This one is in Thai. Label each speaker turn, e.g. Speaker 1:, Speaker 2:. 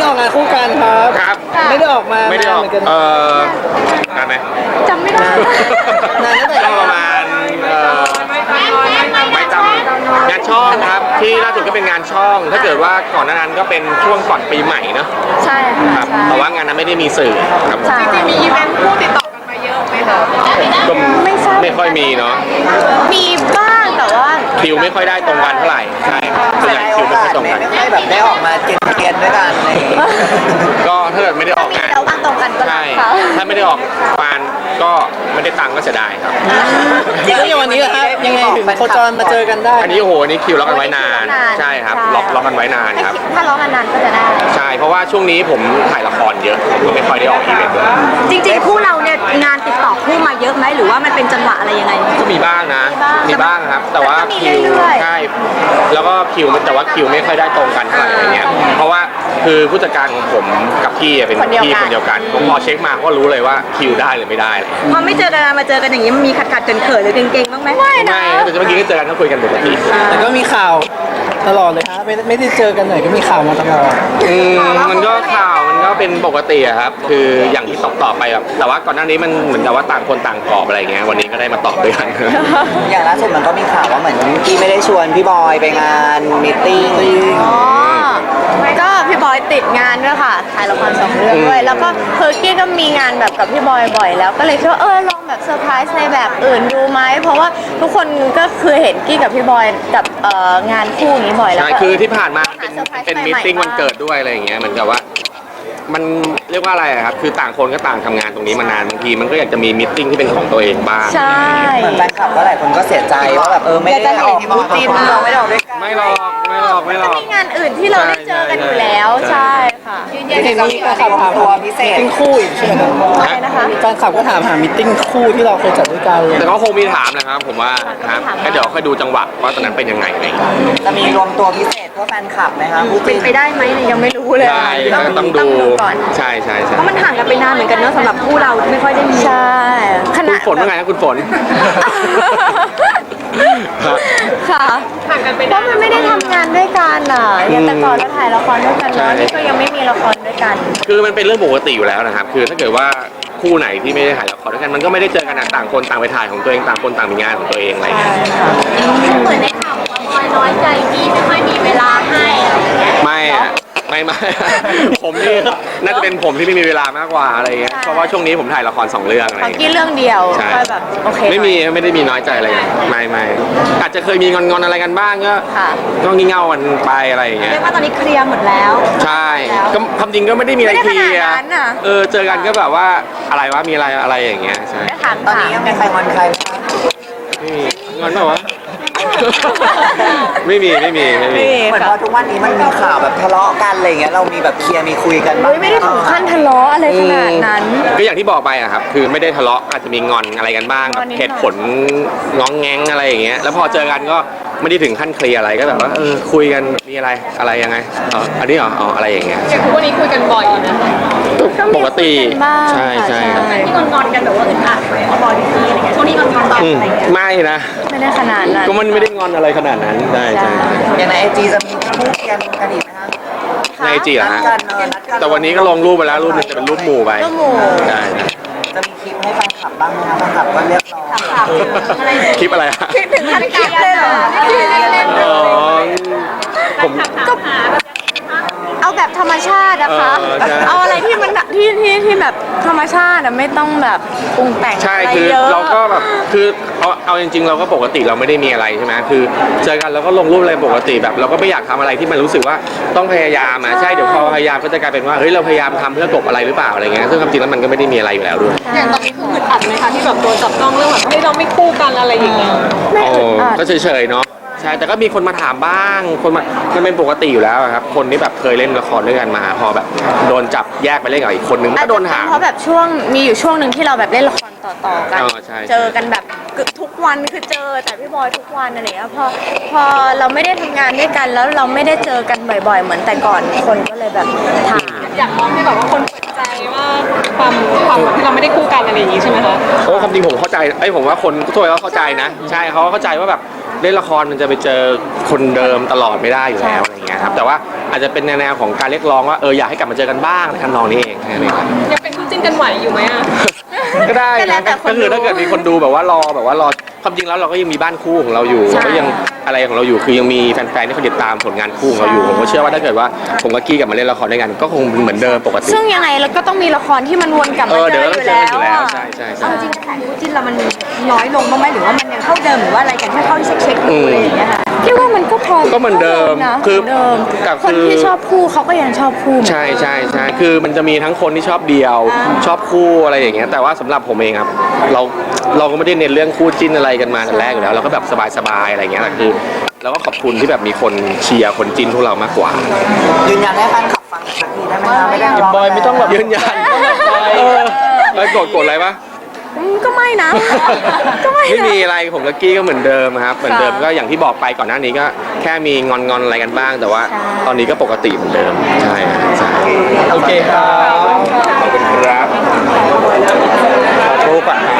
Speaker 1: ออกงานคู่กันครับ
Speaker 2: ครับ
Speaker 1: ไม่ได้ออกมา
Speaker 2: ไม่ได้ออกนานไหม
Speaker 3: จำไม่ได้
Speaker 1: นานตั้งแต่
Speaker 2: ประมาณไม่จำงานช่องครับที่ล่าสุดก็เป็นงานช่อง ถ้าเกิดว่าก่อนหน้านั้นก็เป็นช่วงก่อนปีใหม่เนอะ
Speaker 3: ใช่ค่ะ
Speaker 2: แต่ว่างานนั้นไม่ได้มีสื่อครับ
Speaker 3: จริงๆมีอีเวนต์คู่ติดต่อกันมาเยอะไหมคะ
Speaker 2: ก็ไม่ค่อยมีเนาะ
Speaker 3: มีบ้างแต่ว่า
Speaker 2: คิวไม่ค่อยได้ตรงกันเท่าไหร่ใช่ส่วนใหญ่คิวไม่ค่อยตรงกัน
Speaker 1: ไม่ค่อยแบบได้ออกมาเกียนด้วยกันอะไร
Speaker 2: ก็ถ้าเกิดไม่ได้ออกงาน
Speaker 3: เราว่างตรงกันก็ได้ค่ะ
Speaker 2: ถ้าไม่ได้ออกงานก็ไม่ได้ตังค์ก็เสียดายครับ
Speaker 1: แล้วอย่างวันนี้ครับยังไงถึงโคจรมาเจอกันได้
Speaker 2: อันนี้โอ้โหนี่คิวล็อกกันไว้นานใช่ครับล็อกกันไว้นานครับ
Speaker 3: ถ้าล็อกกันนานก็จะได้
Speaker 2: ใช่เพราะว่าช่วงนี้ผมถ่ายละครเยอะก็ไม่ค่อยได้ออกอีเวนต์เลย
Speaker 3: จริงๆคู่เราเนี่ยงานติดต่อคู่มาเยอะไหมหรือว่ามันเป็นจังหวะอะไรยังไง
Speaker 2: ก็มีบ้างนะมีบ้างครับแต่ว่าคิวใช่แล้วก็คิวแต่ว่าคิวไม่ค่อยได้ตรงกันเท่าไหร่อะไรเงี้ยเพราะว่าคือผู้จัดการของผมกับพี่เป็นพี่คนเดียวกันผมพอเช็คมาก็รู้เลยว่าคิวได้หรือไม่ได้
Speaker 3: พอไม่เจอกันมาเจอกันอย่างนี้มันมีขัดเขินหรือเก่งๆบ้างไหมไม่นะ
Speaker 2: แต่เมื่อกี้ก็เจอกันก็คุยกันปกติ
Speaker 1: แต่ก็มีข่าวตลอดเลยครับไม่ได้เจอกันไหนก็มีข่าวมาตลอด
Speaker 2: มันก็ข่าวมันก็เป็นปกติครับคืออย่างที่ตอบไปแบบแต่ว่าก่อนหน้านี้มันเหมือนกับว่าต่างคนต่างตอบอะไรเงี้ยวันนี้ก็ได้มาตอบด้วยกัน
Speaker 1: อย่างล่าสุดมันก็มีข่าวว่าเหมือนกี้ไม่ได้ชวนพี่บอยไปงานมีตติ้ง
Speaker 3: ก็พี่บอยติดงานด้วยค่ะถ่ายละคร2 เรื่องด้วยแล้วก็กี้ก็มีงานแบบกับพี่บอยบ่อยแล้วก็เลยคิดว่าลองแบบเซอร์ไพรส์ในแบบอื่นดูไหมเพราะว่าทุกคนก็คือเห็นกี้กับพี่บอยกับงานคู่นี้บ่อยแล้ว
Speaker 2: ใช่คือที่ผ่านมาเป็นมีตติ้งวันเกิดด้วยอะไรอย่างเงี้ยเหมือนกับว่ามันเรียกว่าอะไรครับคือต่างคนก็ต่างทำงานตรงนี้มานานบางทีมันก็อยากจะมีมีตติ้งที่เป็นของตัวเองบ้าง
Speaker 3: ใช่
Speaker 1: เหมือนแฟนคลับก็หลายคนก็เสียใจว่าแบบไม่ได้ออกคู่จิ้นเราไม่ได้ออกด้วยกัน
Speaker 2: ไม่หรอก
Speaker 3: มีงานอื่นที่เราได้เจอกันอยู่แล้วใช่ค่ะ
Speaker 1: เห็นมีแฟนคลับถามหามิตติ้งคู่อีกใช่ไหม
Speaker 3: ใช่นะคะ
Speaker 1: แฟนคลับก็ถามหามิตติ้งคู่ที่เราเคยจัดด้วยกันเลย
Speaker 2: แต่ก็คงมีถามนะครับผมว่าครับก็เดี๋ยวค่อยดูจังหวะว่าตอนนั้นเป็นยังไง
Speaker 1: จะมีรวมตัวพิเศษเพื่อแฟนคลับไหมคะ
Speaker 3: เป็นไปได้ไหมยังไม่รู้เลย
Speaker 2: ต้องดู
Speaker 3: ก่อน
Speaker 2: ใช่
Speaker 3: เพราะมันห่างกันไปนานเหมือนกันเนอะสำหรับคู่เราไม่ค่อยได้มีใช่
Speaker 2: ขนาดคุณฝนว่าไงนะคุณฝน
Speaker 3: ค่ะห่างกันไปเพราะมันไม่ได้ทำงานด้วยกันอย่างแต่ก่อนเราถ่ายละครด้วยกันแล้วนี่ก็ยังไม่มีละครด้วยกัน
Speaker 2: คือมันเป็นเรื่องปกติอยู่แล้วนะครับคือถ้าเกิดว่าคู่ไหนที่ไม่ได้ถ่ายละครด้วยกันมันก็ไม่ได้เจอกันต่างคนต่างไปถ่ายของตัวเองต่างคนต่างมีงานของตัวเองอะไรอย่างเงี้ย
Speaker 3: เหมือนในข่าวว่าบอยน้อยใจพี่ไม่ค่อยมีเวลาให้
Speaker 2: ไม่ผมนี่น่าจะเป็นผมที่ไม่มีเวลามากกว่าอะไรเงี้ยเพราะว่าช่วงนี้ผมถ่ายละคร2 เรื่องอะไร
Speaker 3: กี้เรื่องเดียวก็แบบโอเค
Speaker 2: ไม่ได้มีน้อยใจอะไรไม่อาจจะเคยมีงอนอะไรกันบ้างก็งี่เง่ากันไปอะไรอย่างเงี้ย
Speaker 3: เรียกว่าตอนนี้เคลียร์หมดแล้ว
Speaker 2: ใช่ก็ความจริงก็ไม่ได้มีอะไรเคลียร์เจอกันก็แบบว่าอะไรวะมีอะไรอย่างเงี้ยใช่
Speaker 1: ตอนนี้ยังไม่ใครงอนใครไหม
Speaker 2: งอนเปล่าวะไม่มี
Speaker 1: เหมือนพอทุกวันนี้มันมีข่าวแบบทะเลาะกันอะไรเงี้ยเรามีแบบเคลียร์มีคุยกัน
Speaker 3: ไม่ได้ถึงขั้นทะเลาะอะไรขนาดนั้น
Speaker 2: ก็อย่างที่บอกไปอะครับคือไม่ได้ทะเลาะอาจจะมีงอนอะไรกันบ้างแบบเหตุผลง้องแง้งอะไรอย่างเงี้ยแล้วพอเจอกันก็ไม่ได้ถึงขั้นเคลียร์อะไรก็แบบว่าคุยกันมีอะไรยังไงอันนี้อะไรอย่างเงี้ย
Speaker 3: อย่างวันนี้คุยกันบ่อยนะ
Speaker 2: ปกติใช่
Speaker 3: ที่งอนกันแบบว่าอึดอัดไหมบอยพี่อะไรเงี้ยช่วงนี้งอนบ่อยอะไรเงี้ย
Speaker 2: ไม่นะ
Speaker 3: ไม่ได้ขนาดนั้น
Speaker 2: ก็มันไม่ได้งอนอะไรขนาดนั้นใช่
Speaker 1: อย่างในIGจะมีคู่เคียงกันอีกไหมคะ
Speaker 2: ในIGเหรอฮะแต่วันนี้ก็ลงรูปไปแล้วรูปนึงจะเป็นรูปหมู่ไปได้
Speaker 1: จะมีคลิปให้แฟนคลับบ้างไหมคะแฟนคลับก็เรียกร้อง
Speaker 2: คลิปอะไรฮะ
Speaker 3: คิดถึงขั้นคลิปเลยเหรอ
Speaker 2: ผม
Speaker 3: ก็เอาแบบธรรมชาตินะคะเอาอะไรที่มันที่แบบธรรมชาติไม่ต้องแบบปรุงแต่ง
Speaker 2: ใช่คือเราก็แบบคือเอาจริงๆเราก็ปกติเราไม่ได้มีอะไรใช่ไหมคือเจอกันเราก็ลงรูปอะไรปกติแบบเราก็ไม่อยากทำอะไรที่มันรู้สึกว่าต้องพยายามใช่เดี๋ยวพอพยายามก็จะกลายเป็นว่าเฮ้ยเราพยายามทำเพื่อกลบอะไรหรือเปล่าอะไรเงี้ยซึ่งความจริงแล้วมันก็ไม่ได้มีอะไรอยู่แล้วด้วย
Speaker 3: อย่างตอนนี้คืออึดอัดไหมคะที่แบบโดนจับต้องเรื่องแบบให้เราไม่คู่กันอะไรอย่างเงี้ย
Speaker 2: ก็เฉยๆเนาะใช่แต่ก็มีคนมาถามบ้างมันเป็นปกติอยู่แล้วครับคนที่แบบเคยเล่นละครด้วยกันมาพอแบบโดนจับแยกไปเล่นกับอีกคนนึงก็โดนถาม
Speaker 3: เพราะแบบมีอยู่ช่วงหนึ่งที่เราแบบเล่นละครต่อกันเจอกันแบบทุกวันคือเจอแต่พี่บอยทุกวันอะไรเงี้ยพอเราไม่ได้ทำงานด้วยกันแล้วเราไม่ได้เจอกันบ่อยๆเหมือนแต่ก่อนคนก็เลยแบบถามอยากมองให้แบบว่าคนเปิดใจว่าความที่เราไม่ได้คู่กันอะไรอย่างงี้ใช่ไหมคะ
Speaker 2: โอ้ความจริงผมเข้าใจผมว่าคนทั่วไปก็เข้าใจนะใช่เขาเข้าใจว่าแบบเล่นละครมันจะไปเจอคนเดิมตลอดไม่ได้อยู่แล้วอะไรเงี้ยครับแต่ว่าอาจจะเป็นแนวของการเรียกร้องว่าอยากให้กลับมาเจอกันบ้างในทำนองนี้เองแค่นี้ครับ
Speaker 4: ยังเป็นคู่จิ้นกันไหวอยู่ไหมอ่ะ
Speaker 2: ก็ได้
Speaker 3: ก็แล้
Speaker 2: นะ
Speaker 3: วแต่คน
Speaker 2: ก็คือถ้าเกิดมีคนดูแบบว่ารอความจริงแล้วเราก็ยังมีบ้านคู่ของเราอยู่
Speaker 3: ใช่
Speaker 2: ก็ยังอะไรของเราอยู่คือยังมีแฟนๆที่เขาติดตามผลงานคู่ของเราอยู่ผมก็เชื่อว่าถ้าเกิดว่าผมกับกี้กลับมาเล่นละครด้วยกันก็คงเหมือนเดิมปกติ
Speaker 3: ซึ่งยังไงเราก็ต้องมีละครที่มันวนกลับมา
Speaker 2: เดี๋
Speaker 3: เจ
Speaker 2: ยว
Speaker 3: อ
Speaker 2: เรา
Speaker 3: อ
Speaker 2: ต้อง
Speaker 3: ยู่
Speaker 2: เจอ
Speaker 3: แล้
Speaker 2: กันอยู่แล้ว
Speaker 3: วอะ
Speaker 2: ใช่ใช่
Speaker 5: เอา
Speaker 2: ใช่
Speaker 5: จริงๆแข่งคู่จิ้นเรามันน้อยลงบ้างไหมหรือว่ามันยังเท่าเดิมหรือว่าอะไรกันแค่เข้าที่เช็คๆดูอะไรอย่างเงี้ยค่ะ
Speaker 3: คิดว่ามันก็พอ
Speaker 2: ก็เหมือนเดิม
Speaker 3: นะ
Speaker 2: คือ
Speaker 3: เหมือนเดิม
Speaker 2: กับ
Speaker 3: คน
Speaker 2: คือ
Speaker 3: ที่ชอบคู่เขาก็ยังชอบคู่
Speaker 2: ใช่ใช่ใช่คือมันจะมีทั้งคนที่ชอบเดียว ชอบคู่อะไรอย่างเงี้ยแต่ว่าสำหรับผมเองครับเราก็ไม่ได้เน้นเรื่องคู่จิ้นอะไรกันมาแต่แรกอยู่แล้วเราก็แบบสบายๆอะไรอย่างเงี้ยแต่คือเราก็ขอบคุณที่แบบมีคนเชียร์คนจิ้นพวกเรามากกว่า
Speaker 1: ยืนยันให้แฟนคลับฟังสักทีได้ไหมคะไม่ได้
Speaker 2: บอยไม่ต้องแบบยืนยันกดอะไรปะ
Speaker 3: ก็ไม่นะ ก็ไม่
Speaker 2: ไม่
Speaker 3: นะ
Speaker 2: มีอะไรผมกับกี้ก็เหมือนเดิมครับเหมือนเดิมก็อย่างที่บอกไปก่อนหน้านี้ก็แค่มีงอนอะไรกันบ้าง แต่ว่า
Speaker 3: ใช่
Speaker 2: ตอนนี้ก็ปกติเหมือนเดิมใช่ใช่
Speaker 1: โอเคครับ
Speaker 2: ขอบคุณครับ
Speaker 1: ขอรูปก่อน